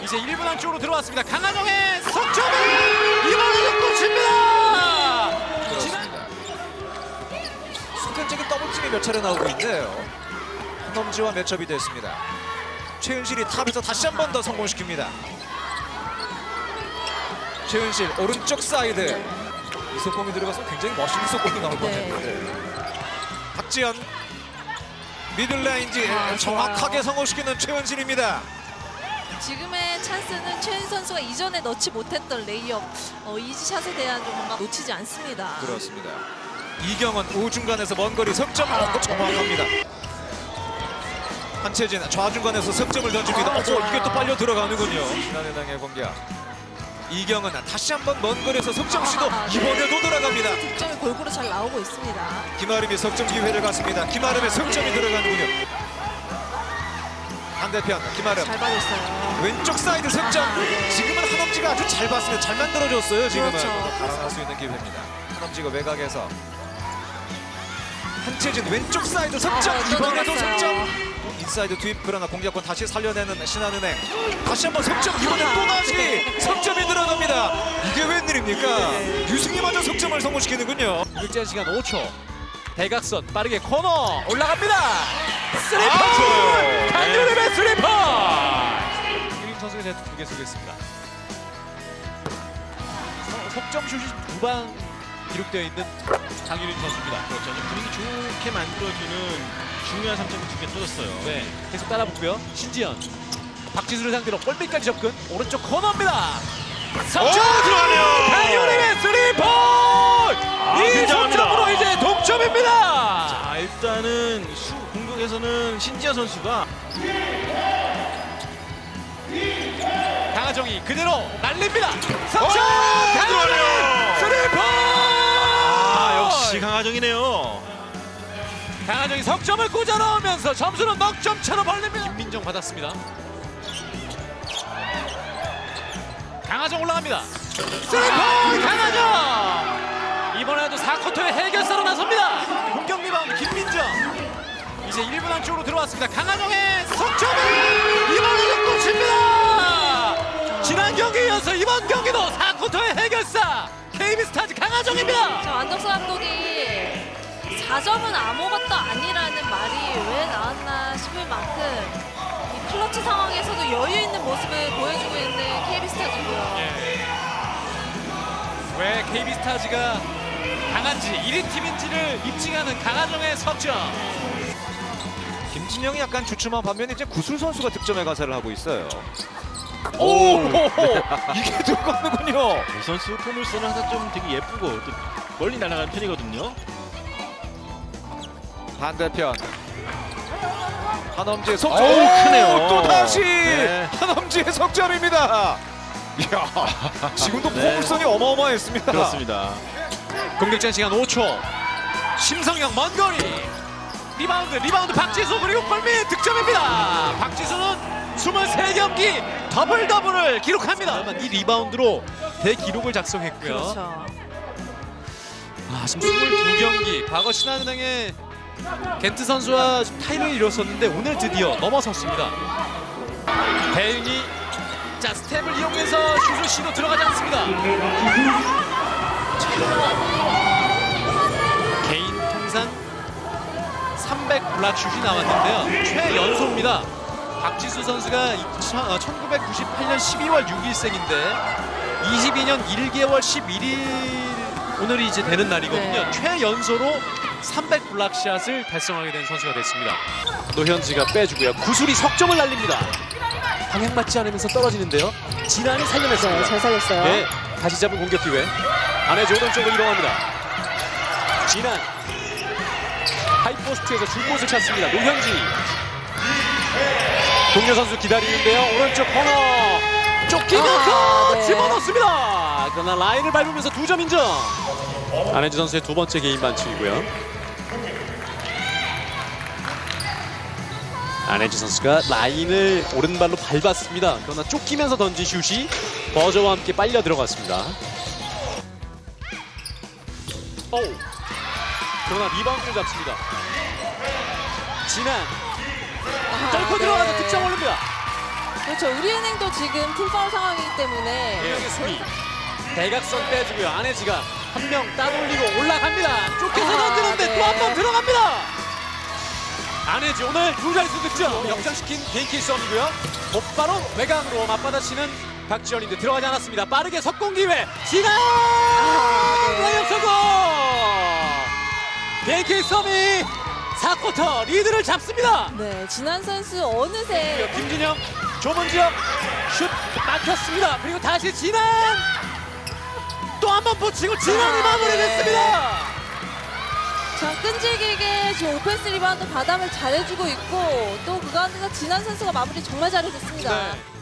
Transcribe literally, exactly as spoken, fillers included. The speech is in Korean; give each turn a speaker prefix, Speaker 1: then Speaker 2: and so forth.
Speaker 1: 이제 일 분 안쪽으로 들어왔습니다. 강한영의 석점을 이번에도 꽂힙니다.
Speaker 2: 그렇습니다. 순간적인 더블팀이 몇 차례 나오고 있는데요. 한엄지와 매첩이 됐습니다. 최은실이 탑에서 다시 한 번 더 성공시킵니다. 최은실 오른쪽 사이드. 이 속공이 들어가서 굉장히 멋있는 속공이 나올 것
Speaker 3: 네.
Speaker 2: 같은데. 박지현 미들라인지
Speaker 3: 아,
Speaker 2: 정확하게
Speaker 3: 좋아요.
Speaker 2: 성공시키는 최은실입니다.
Speaker 3: 지금의 찬스는 최은 선수가 이전에 넣지 못했던 레이업 어, 이지샷에 대한 좀 뭔가 놓치지 않습니다.
Speaker 2: 그렇습니다. 이경은 우중간에서 먼 거리 석점 어, 정확합니다. 한채진 좌중간에서 석점을 던집니다.
Speaker 3: 아,
Speaker 2: 어,
Speaker 3: 좋아요.
Speaker 2: 이게 또 빨려 들어가는군요. 신한은행의 공격. 이경은 다시 한번 먼 거리에서 석점 시도
Speaker 3: 아, 네.
Speaker 2: 이번에도 들어갑니다.
Speaker 3: 득점이 골고루 잘 나오고 있습니다.
Speaker 2: 김아름이 석점 기회를 갖습니다. 김아름의 석점이 들어가는군요. 반대편 김아름
Speaker 3: 잘 받았어요.
Speaker 2: 왼쪽 사이드 석점.
Speaker 3: 아, 네.
Speaker 2: 지금은 한엄지가 아주 잘 봤습니다. 잘 만들어줬어요. 지금은
Speaker 3: 그렇죠.
Speaker 2: 달아날 수 있는 기회입니다. 한엄지가 외곽에서 한채진 왼쪽 사이드 석점.
Speaker 3: 아, 또
Speaker 2: 이번에도
Speaker 3: 들어갔어요.
Speaker 2: 석점. 인사이드 투입 그러나 공격권 다시 살려내는 신한은행. 다시 한번 석점. 이번엔 또 다시
Speaker 3: 네.
Speaker 2: 석점이 들어갑니다. 이게 웬일입니까? 유승희마저 석점을 성공시키는군요.
Speaker 1: 극제한 시간 오 초. 대각선 빠르게 코너 올라갑니다. 스리퍼!
Speaker 2: 아, 좋아요.
Speaker 1: 강유림의 스리퍼! 유림 선수가 제가 두개 쏘겠습니다. 서- 석점 슛이 두 방 기록되어 있는 강유림 선수입니다.
Speaker 4: 그렇죠. 이제 분위기 좋게 만들어주는 중요한 삼 점이 두 개 터졌어요.
Speaker 1: 네, 계속 따라붙고요. 신지현, 박지수를 상대로 골밑까지 접근. 오른쪽 코너입니다. 석점
Speaker 4: 들어가네요.
Speaker 1: 강유림의 스리퍼! 이
Speaker 4: 굉장합니다.
Speaker 1: 석점으로 이제 동점입니다.
Speaker 4: 자, 일단은 수 공격에서는 신지아 선수가
Speaker 1: 강하정이 그대로 날립니다. 석점!
Speaker 4: 오,
Speaker 1: 강하정의
Speaker 4: 들어가네요.
Speaker 1: 스리퍼!
Speaker 4: 아, 역시 강하정이네요.
Speaker 1: 강하정이 석점을 꽂아 넣으면서 점수는 넉 점 차로 벌립니다. 김민정 받았습니다. 강하정 올라갑니다. 스리퍼! 강하정! 이번에도 사 쿼터의 해결사로 나섭니다. 공격 리바운드 김민정. 이제 일 분 안쪽으로 들어왔습니다. 강하정의 석점을 이번에도 꽂힙니다. 지난 경기에 이어서 이번 경기도 사 쿼터의 해결사 케이비스타즈 강하정입니다.
Speaker 3: 자, 안덕수 감독이 사 점은 아무것도 아니라는 말이 왜 나왔나 싶을 만큼 이 클러치 상황에서도 여유 있는 모습을 보여주고 있는 케이비스타즈고요.
Speaker 1: 왜 케이비스타즈가 강한지 일 위 팀인지를 입증하는 강하정의 석점.
Speaker 2: 김진영이 약간 주춤한 반면에 이제 구슬 선수가 득점에 가세를 하고 있어요.
Speaker 1: 오!
Speaker 2: 이게 들어가는군요.
Speaker 4: 이 선수 포물선은 항상 좀 되게 예쁘고 또 멀리 날아가는 편이거든요.
Speaker 2: 반대편 한엄지의 석점.
Speaker 4: 어우, 크네요.
Speaker 2: 또 다시
Speaker 4: 네.
Speaker 2: 한엄지의 석점입니다. 이야, 지금도
Speaker 4: 네.
Speaker 2: 포물선이 어마어마했습니다.
Speaker 4: 그렇습니다.
Speaker 1: 공격전 시간 오 초. 심성영 먼 거리. 리바운드 리바운드 박지수 그리고 골밑 득점입니다. 박지수는 이십삼 경기 더블 더블을 기록합니다. 이 리바운드로 대기록을 작성했고요.
Speaker 3: 그렇죠.
Speaker 1: 아, 지금 이십이 경기 과거 신한은행의 겐트 선수와 타이를 이뤘었는데 오늘 드디어 넘어섰습니다. 배윤이 자 스텝을 이용해서 슛을 시도 들어가지 않습니다. 개인 통산 삼백 블락슛이 나왔는데요. 최연소입니다. 박지수 선수가 천구백구십팔 년 십이월 육 일생인데 이십이 년 일 개월 십일 일 오늘이 이제 되는 날이거든요.
Speaker 3: 네.
Speaker 1: 최연소로 삼백 블락샷을 달성하게 된 선수가 됐습니다. 노현지가 빼주고요. 구슬이 석점을 날립니다. 방향 맞지 않으면서 떨어지는데요. 진한이 살려냈습니다.
Speaker 3: 잘 살렸어요.
Speaker 1: 네, 다시 잡은 공격 기회. 안에지 오른쪽으로 이동합니다. 진한 하이포스트에서 줄곳을 찾습니다. 노현지 동료 선수 기다리는데요. 오른쪽 코너 쫓기면서
Speaker 3: 아, 네.
Speaker 1: 집어넣습니다. 그러나 라인을 밟으면서 두 점 인정. 안혜지 선수의 두 번째 개인 반칙이고요. 안혜지 선수가 라인을 오른발로 밟았습니다. 그러나 쫓기면서 던진 슛이 버저와 함께 빨려 들어갔습니다. 오. 그러나 리바운드를 잡습니다. 진한 뚫고 들어가서 득점 올립니다.
Speaker 3: 그렇죠. 우리은행도 지금 팀 파울 상황이기 때문에
Speaker 1: 예, 수비 대각선 빼주고요. 안혜지가 한 명 따돌리고 올라갑니다. 쫓겨서
Speaker 3: 아,
Speaker 1: 던지는데
Speaker 3: 네.
Speaker 1: 또 한 번 들어갑니다. 안혜지 오늘 두 자릿수 득점 역전시킨 개인기 싸움이고요. 곧바로 외곽으로 맞받아치는 박지원인데 들어가지 않았습니다. 빠르게 석공 기회 지나
Speaker 3: 네.
Speaker 1: 레이업 성공. 개인기 싸움이 사 쿼터 리드를 잡습니다.
Speaker 3: 네, 진한 선수 어느새
Speaker 1: 김진영 좁은 지역 슛 막혔습니다. 그리고 다시 진한 또 한 번 붙이고 진한이
Speaker 3: 아,
Speaker 1: 마무리됐습니다.
Speaker 3: 참 끈질기게 지금 오펜스 리바운드 바닥을 잘해주고 있고 또 그 가운데서 진한 선수가 마무리 정말 잘해줬습니다.
Speaker 1: 네.